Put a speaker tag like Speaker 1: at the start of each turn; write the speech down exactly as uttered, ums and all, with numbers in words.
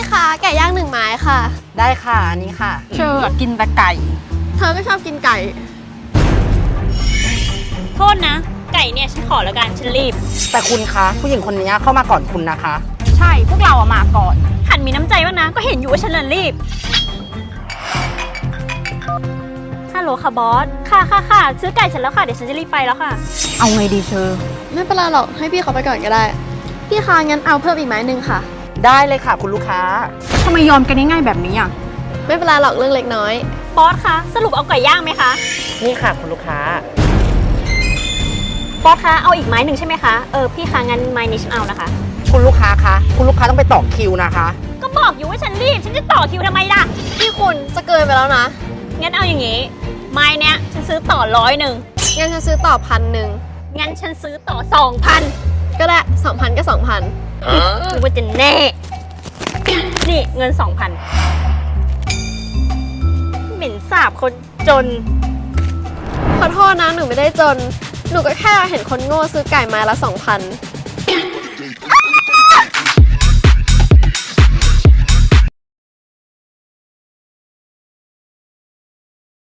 Speaker 1: คะไก่ย่างหนึ่งไม้ค่ะ
Speaker 2: ได้ค่ะอันนี้ค่ะ
Speaker 3: เชอร์กินแต่ไก่
Speaker 1: เธอก็ชอบกินไก่
Speaker 4: โทษนะไก่เนี่ยฉันขอแล้วกันฉันรีบ
Speaker 2: แต่คุณคะผู้หญิงคนนี้เข้ามาก่อนคุณนะคะ
Speaker 3: ใช่พวกเราอะมาก่อน
Speaker 4: หันมีน้ำใจบ้างนะก็เห็นอยู่ว่าฉันเลยรีบฮัลโหลค่ะบอสค่ะค่ะค่ะซื้อไก่เสร็จแล้วค่ะเดี๋ยวฉันจะรีบไปแล้วค่ะ
Speaker 3: เอาไงดีเชอร์
Speaker 1: ไม่เป็นไรหรอกให้พี่เขาไปก่อนก็ได้พี่คะงั้นเอาเพิ่มอีกไม้หนึ่งค่ะ
Speaker 2: ได้เลยค่ะคุณลูกค้า
Speaker 3: ทำไมยอมกันง่ายๆแบบนี้อ่ะ
Speaker 1: ไม่เป็นไรหรอกเรื่องเล็กน้อย
Speaker 4: บอสคะสรุปเอาไก่ย่างไหมคะ
Speaker 2: นี่ค่ะคุณลูกค้า
Speaker 4: บอสคะเอาอีกไม้หนึ่งใช่ไหมคะเออพี่คะงั้นไม้นี้ฉันเอานะคะ
Speaker 2: คุณลูกค้าคะคุณลูกค้าต้องไปต่อคิวนะคะ
Speaker 4: ก็บอกอยู่ว่าฉันรีบฉันจะต่อคิวทำไมล่ะ
Speaker 1: พี่คุณจะเกินไปแล้วนะ
Speaker 4: งั้นเอาอย่างงี้ไม้เนี้ยฉันซื้อต่อร้อยหนึ่ง
Speaker 1: งั้นฉันซื้อต่อพันหนึ่ง
Speaker 4: งั้นฉันซื้อต่อสองพัน
Speaker 1: ก็ได้สองพันก็สองพัน
Speaker 4: หรือว่าจะแน่นี่เงินสองพันเหม็นสาบคนจน
Speaker 1: ขอโทษนะหนูไม่ได้จนหนูก็แค่เห็นคนโง่ซื้อไก่ไม้ละสองพัน